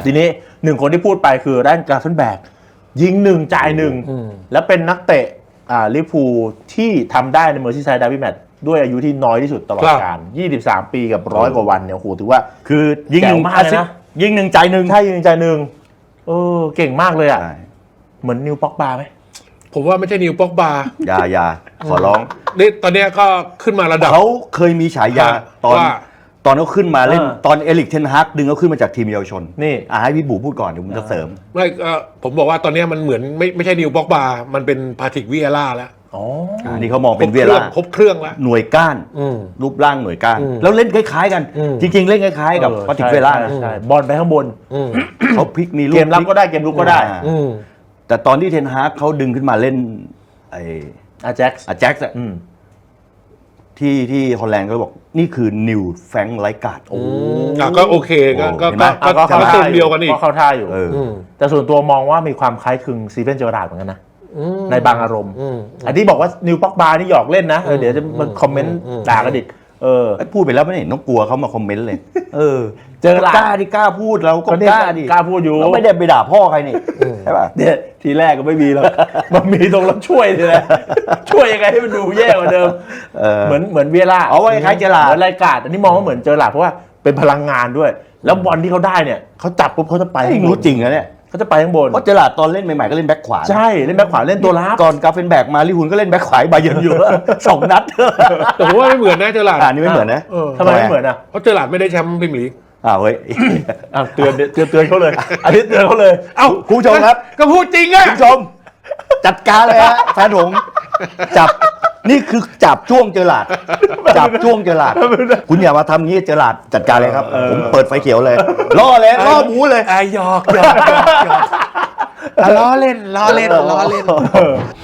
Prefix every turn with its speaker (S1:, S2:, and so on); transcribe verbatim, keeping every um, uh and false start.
S1: ทีนี้หนึ่งคนที่พูดไปคือแรนกราฟเฟนแบกยิงหนึ่งจ่ายหนึ่งแล้วเป็นนักเตะอ่าลิเวอร์พูลที่ทำได้ในเมอร์ซีไซด์ดาร์บี้แมตช์ด้วยอายุที่น้อยที่สุดตลอดกาลยี่สิบสามปีกับร้อยกว่าวันเนี่ยโอ้โหถือว่า
S2: คือยิงหนึ่งมากเลยนะยิงหนึ่งจ่ายหนึ่ง
S1: ใช่ยิงหนึ่งจ่ายหนึ่งเออเก่งมากเลยอ่ะเหมือนนิวป็อกบาไหม
S3: ผมว่าไม่ใช่นิวป็อกบา
S2: อย่าอย่าขอร้อง
S3: นี่ตอนนี้ก็ขึ้นมาระดับ
S2: เขาเคยมีฉายาตอนตอนเขาขึ้นมาเล่นตอนเอลิกเทนฮากดึงเขาขึ้นมาจากทีมเยาวชน
S1: นี่
S2: อ่ะให้พี่บูพูดก่อนเดี๋ยวผมจะเสริม
S3: ไม่ผมบอกว่าตอนนี้มันเหมือนไม่ไม่ใช่นิวป็อกบามันเป็นพาทริกวิเอล่าแล้ว
S1: อ๋อ
S2: อันนี้เขามองเป็นเวียร่า
S3: ครบเครื่องแล้ว
S2: หน่วยก้านรูปร่างหน่วยก้านแล้วเล่นคล้ายๆกันจริงๆเล่นคล้ายๆกับพาทริกเวียร่า
S1: ใช่บอลไปข้างบน
S2: เขาพลิกมีลูก
S1: เกมรับก็ได้เกมลุกก็ได้
S2: แต่ตอนที่เทนฮากเขาดึงขึ้นมาเล่นไอ
S1: อาแจ็กซ์
S2: อาแจ็กซ์ที่ที่ฮอลแลนด์ก็บอกนี่คือนิวแฟรงค์ไลการ์ด
S3: โอ้ก็โอเคก็ก็ก็เข้าท่าเดียวกันอีก
S1: เข้าท่าอยู่แต่ส่วนตัวมองว่ามีความคล้ายคลึงซีเวนเจอร์ราร์ดเหมือนกันนะในบางอารมณ์อันที่บอกว่านิวป็อกบานี่หยอกเล่นนะเดี๋ยวจะมาคอมเมนต์ด่ากันอีกเออ
S2: พูดไปแล้วไม่เห็นต้องกลัวเขามาคอมเมนต์เลยเออ
S1: เจอ
S2: กล้าดิกล้าพูดเราก็กล้าดิ
S1: กล้าพูดอยู่
S2: เราไม่ได้ไปด่าพ่อใครนี่ใช่ป่ะ
S1: เนี่ยทีแรกก็ไม่มีหรอกมันมีตรงรับช่วยนี่แหละช่วยยังไงให้มันดูแย่กว่าเดิมเหมือนเหมือนเวียร่า
S2: เอาไว้คล้ายเจอราร์ด
S1: เหมือนรายการอันนี้มองว่าเหมือนเจอราร์ดเพราะว่าเป็นพลังงานด้วยแล้วบอลที่เขาได้เนี่ยเขาจับปุ๊บเขาจะไป
S2: รู้จริงนะเนี่ย
S1: เขาจะไปข้างบน
S2: เพราะเจอราร์ดตอนเล่นใหม่ๆก็เล่นแบ็คขวา
S1: ใช่เล่นแบ็คขวาเล่นตัวรับ
S2: ก่อนกาเฟนแบกมาลิฮุนก็เล่นแบ็คขวาบาเยิร์นอยู่สองนัด
S3: แต่ผมว่าไม่เหมือนนะเจอราร์ด
S2: อันนี้ไม่เหมือนนะ
S1: ทำไมไม่เหมือนอ่ะ
S3: เพราะเจอราร์ดไม่ได้แชมป์พรีเมียร์ลีก
S2: อ้าวเฮ้ย
S1: อ้าวเตือนเตือนเตือนเขาเลยอันนี้เตือนเขาเลย
S2: เอ้าคุณผู้ชมครับ
S3: ก็พูดจริงอ่ะ
S2: คุณผู้ชมจัดการเลยฮะแฟนผมจับนี่คือจับจ้วงเจอราร์ดจับจ้วงเจอราร์ดคุณอย่ามาทำงี้เจอราร์ดจัดการเลยครับผมเปิดไฟเขียวเลยล่อเลยล่อหมูเลย
S3: ไอ้หยอกหยอกหยอกล้อเล่นล้อเล่นล้อเล่น